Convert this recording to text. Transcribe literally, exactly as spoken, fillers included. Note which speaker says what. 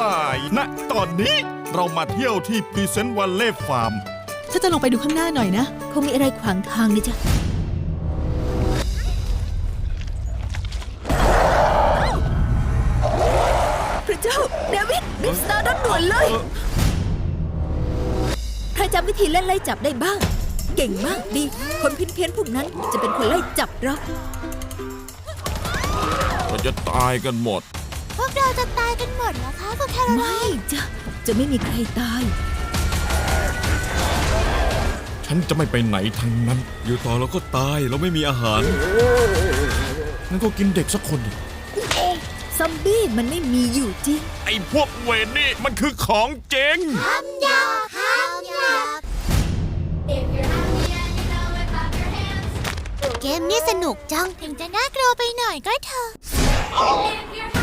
Speaker 1: ณตอนนี้เรามาเที่ยวที่พรีเซนต์วัลเล่ฟาร์ม
Speaker 2: ถ้าจะลงไปดูข้างหน้าหน่อยนะ
Speaker 3: คงมีอะไรขวางทางนะจ๊ะพระเจ้าเดวิดรีบสตาร์ทรถด่วนเลยใครจำวิธีเล่นไล่จับได้บ้างเก่งมากดีคนเพี้ยนๆพวกนั้นจะเป็นคนไล่จับเรา
Speaker 1: เราจะตายกันหมด
Speaker 4: พวกเราจะตายกันหมดเหรอคะคุณแคโรไลน์
Speaker 3: ไม่จ้ะจะไม่มีใครตาย
Speaker 1: ฉันจะไม่ไปไหนทั้งนั้น
Speaker 5: อยู่ต่อเราก็ตายเราไม่มีอาหาร
Speaker 1: งั้นก็กินเด็กสักคนดิ
Speaker 3: ซอมบี้มันไม่มีอยู่จริง
Speaker 1: ไอ้พวกเวรนี่มันคือของเจ๋ง
Speaker 4: คำหยาบคำหยาบเกมนี้สนุกจังถึงจะน่ากลัวไปหน่อยก็เถอะ